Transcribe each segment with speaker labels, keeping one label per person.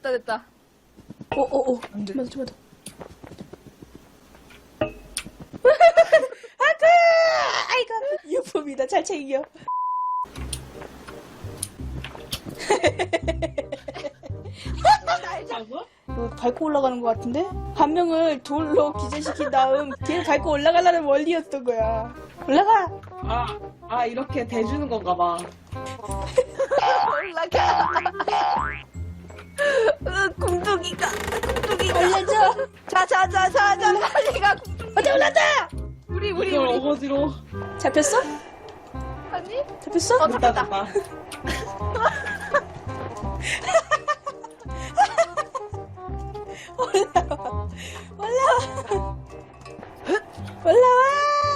Speaker 1: 됐다.
Speaker 2: 오오오.
Speaker 3: 안 돼.
Speaker 2: 좀만 더. 아그! 아이고 유품이다. 잘 챙겨.
Speaker 3: 알자고?
Speaker 2: 이거 밟고 올라가는 것 같은데? 한 명을 돌로 기절시킨 다음 걔를 밟고 올라가려는 원리였던 거야. 올라가!
Speaker 3: 이렇게 대주는 건가 봐.
Speaker 1: 올라가. 궁둥이가.
Speaker 2: 올려줘!
Speaker 1: 자자자자자 빨리 가.
Speaker 2: 어디 올랐다!
Speaker 1: 우리
Speaker 3: 이걸 어거지로.
Speaker 2: 잡혔어?
Speaker 1: 아니?
Speaker 2: 잡혔어?
Speaker 1: 잡혔다.
Speaker 3: 됐다.
Speaker 2: 올라와! 올라와! 올라와!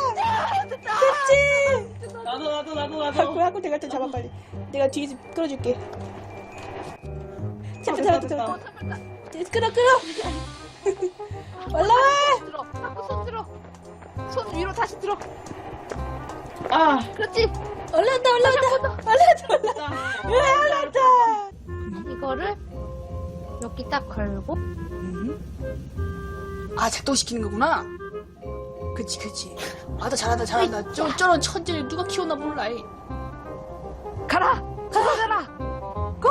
Speaker 2: 됐지?
Speaker 3: 나도.
Speaker 2: 하고 내가 좀 잡아 빨리. 내가 뒤에서 끌어줄게. 잡혔다
Speaker 3: 됐다.
Speaker 2: 잡혔다.
Speaker 1: 잡혔다.
Speaker 2: 끌어 올라와!
Speaker 1: 들어. 자꾸 손 들어. 손 위로 다시 들어. 그렇지.
Speaker 2: 올라온다 올라온다.
Speaker 1: 이거를 여기 딱 걸고.
Speaker 2: 아 작동시키는 거구나. 그치. 아 나 잘한다. 저런 천재를 누가 키웠나 몰라. 이.
Speaker 1: 가라. 가라.
Speaker 2: 고!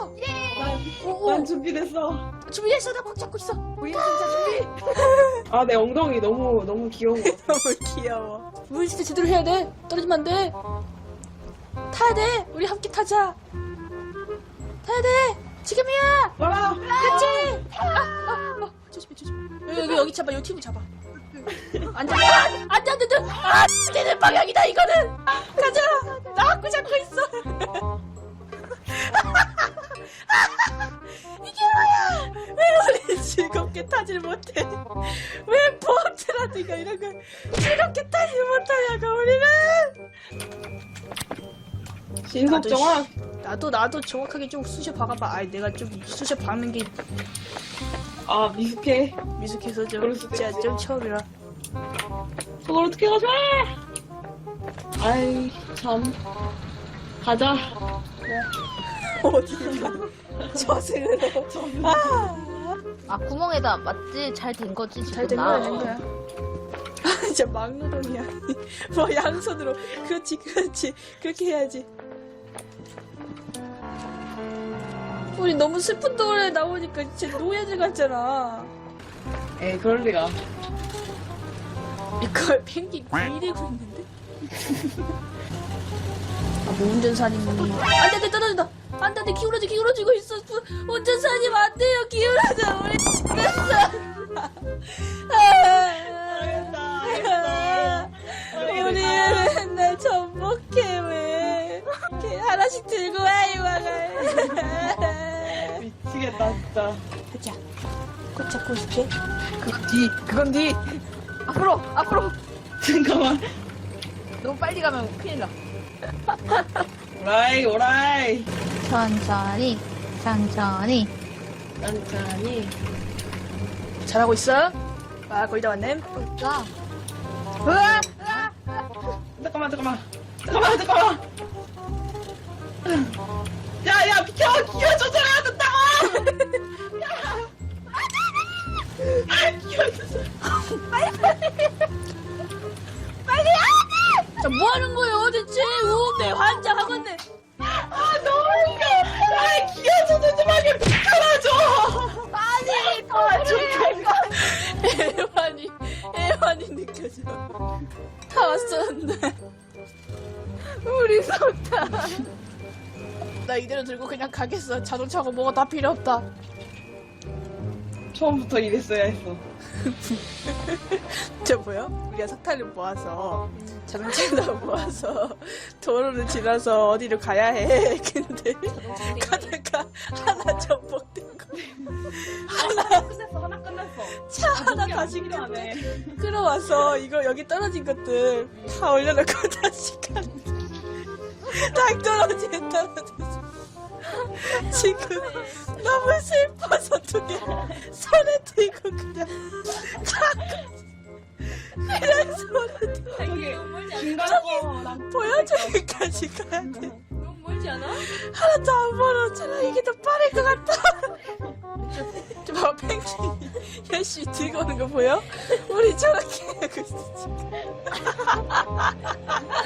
Speaker 3: 난 준비됐어.
Speaker 2: 준비했어. 나 꽉 잡고 있어.
Speaker 1: 우리 진짜 준비.
Speaker 3: 내 엉덩이 너무 귀여운 거.
Speaker 2: 너무 귀여워. 물 진짜 제대로 해야 돼. 떨어지면 안 돼. 타야 돼. 우리 함께 타자. 타야 돼. 지금이야.
Speaker 3: 와라.
Speaker 2: 그렇지. 조심해. 여기 잡아. 여기 팁을 잡아. 안 돼. 안 돼. 되는 방향이다 이거는. 가자. 나 갖고 잡고 있어. 이게 뭐야? 왜 우리 즐겁게 타질 못해? 왜 보트라든가 이런 걸 즐겁게 타질 못하냐고 우리는.
Speaker 3: 신속정확.
Speaker 2: 나도 정확하게 좀 쑤셔 박아봐. 아이 내가 좀 쑤셔 박는 게
Speaker 3: 미숙해.
Speaker 2: 미숙해서 좀
Speaker 3: 그럴 수도
Speaker 2: 진짜
Speaker 3: 있지.
Speaker 2: 좀 처음이라.
Speaker 3: 저걸 어떻게 가져와? 아이 참. 가자.
Speaker 2: 어디 저승으로.
Speaker 1: 아 구멍에다 맞지? 잘 된 거지 지금.
Speaker 2: 잘 된 거야, 된 거야. 진짜 막노동이야. 뭐 양손으로. 그렇지. 그렇게 해야지. 우리 너무 슬픈 노래 나오니까 진짜 노예들 같잖아.
Speaker 3: 에이 그럴 리가.
Speaker 2: 이걸 펭귄 들이대고 있는데? 뭐 운전사님이. 안 돼, 떨어진다. 안 돼, 기울어지고 있어. 운전사님 안 돼요, 기울어져. 우리 됐어. 우리 맨날 전복해, 왜. 이렇게 하나씩 들고 와, 이와가.
Speaker 3: 미치겠다 진짜.
Speaker 2: 자, 꼭 잡고 있을게.
Speaker 1: 그건 뒤. 앞으로.
Speaker 3: 잠깐만.
Speaker 1: 너무 빨리 가면 큰일 나.
Speaker 3: 오라이.
Speaker 1: 천천히.
Speaker 3: 천천히.
Speaker 2: 잘하고 있어? 아, 거의 다 왔네.
Speaker 1: 자.
Speaker 3: 잠깐만. 야 비켜. 기어 조절해야 된다고. 기어 조절.
Speaker 2: 자, 뭐 하는 거예요, 대체? 우네, 환장하겠네.
Speaker 3: 너무 웃겨. 기어 조절 좀 하게 비켜라줘.
Speaker 2: 애환이 느껴져. 다 왔었는데.
Speaker 1: 우리 손다.
Speaker 2: 나 이대로 들고 그냥 가겠어. 자동차고 뭐가 다 필요 없다.
Speaker 3: 처음부터 이랬어야 했어.
Speaker 2: 저 뭐야? 우리가 석탄을 모아서 자동차에다 모아서 도로를 지나서 어디로 가야 해. 근데 가다가 하나 전복된 거.
Speaker 3: 하나 끝났어.
Speaker 2: 차 하나 다시
Speaker 3: 필요하네.
Speaker 2: 끌어와서 이거 여기 떨어진 것들 다 올려놓고 다시 가는. 딱 떨어졌어. 지금 너무 슬퍼서 두 개 손에 들고 그냥 손에 들고
Speaker 3: 저기 중간 거
Speaker 2: 보여주기까지 가야 돼.
Speaker 1: 너무 멀지 않아?
Speaker 2: 하나도 안 벌었잖아. 이게 더 빠를 것 같다. 아저씨 들고 오는 거 보여? 우리 저렇게 하고 있어 지금.